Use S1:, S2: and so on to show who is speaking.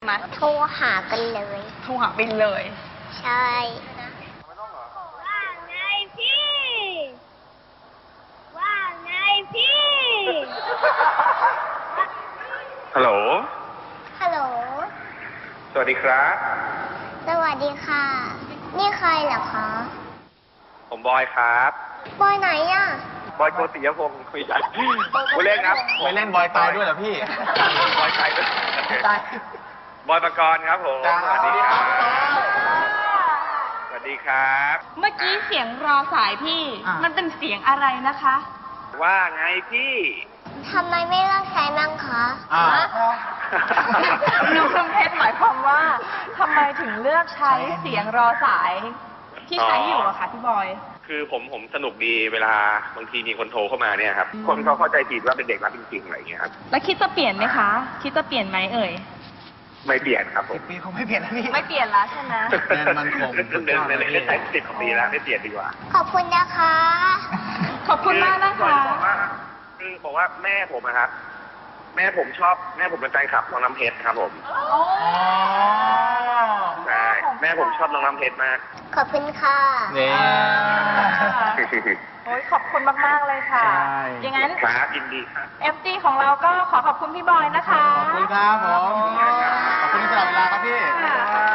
S1: มา
S2: โทรหากันเลย
S1: โทรหาบินเลย
S2: ใช่
S3: ว่าไงพี่ ว่าไงพี่
S4: ฮัลโหล
S2: ฮัลโหล
S4: สวัสดีครับ
S2: สวัสดีค่ะ นี่ใครเหรอคะ
S4: ผมบอยครับ
S2: บอยไหนอ่ะ
S4: บอยโกติยพงศ์คุยกันผู้เล่นครับ
S5: ไปเล่นบอยตายด้วยเหรอพี่
S4: บอยตายด้วย
S5: ตาย
S4: บอยประกรณ์ครับผม
S5: จ้า
S4: สวัสดีครับ สวัสดีครับ
S1: เมื่อกี้เสียงรอสายพี่ มันเป็นเสียงอะไรนะคะ
S4: ว่าไงพี่
S2: ทำไมไม่เลิกใช้มั่งคะ
S5: อ่า
S1: หนูคำเพชรหมายความว่าทำไมถึงเลือกใช้เสียงรอสายที่ใช้อยู่อะค่ะพี่บอย
S4: คือผมสนุกดีเวลาบางทีมีคนโทรเข้ามาเนี่ยครับ คนเขาเข้าใจผิดว่าเป็นเด็กรับจริงๆอะไรอย่างเงี้ยครับ
S1: แล้วคิดจะเปลี่ยนไหมคะ คิดจะเปลี่ยนไหมเอ่ย
S4: ไม่เปลี่ยนครับผม
S5: ปีคงไม่เปลี่ยนนะพี่
S1: ไม่เปลี่ยนแล้วใช่ไหม
S5: แน่นมั่นคง
S4: เดินเลยใช้10 กว่าปีแล้วไม่เปลี่ยนดีกว่า
S2: ขอบคุณนะคะ
S1: ขอบคุณมากนะคะ
S4: คือบอกว่าแม่ผมอะครับ แม่ผมเป็นแฟนคลับน้องน้ำเพชรครับผม
S1: โอ้
S4: ใช่แม่ผมชอบน้องน้ำเพชรมาก
S2: ขอบคุณค่ะ
S5: นี่
S1: โอ้ยขอบคุณมากๆเลยค่ะ
S5: ใช่
S1: อย่างนั้น
S4: ครับยินดีครับ
S1: FD ของเราก็ขอขอบคุณพี่บอยนะคะ
S5: ขอบคุณครับผม ขอบคุณที่สละเวลาครับพี่
S1: ค่ะ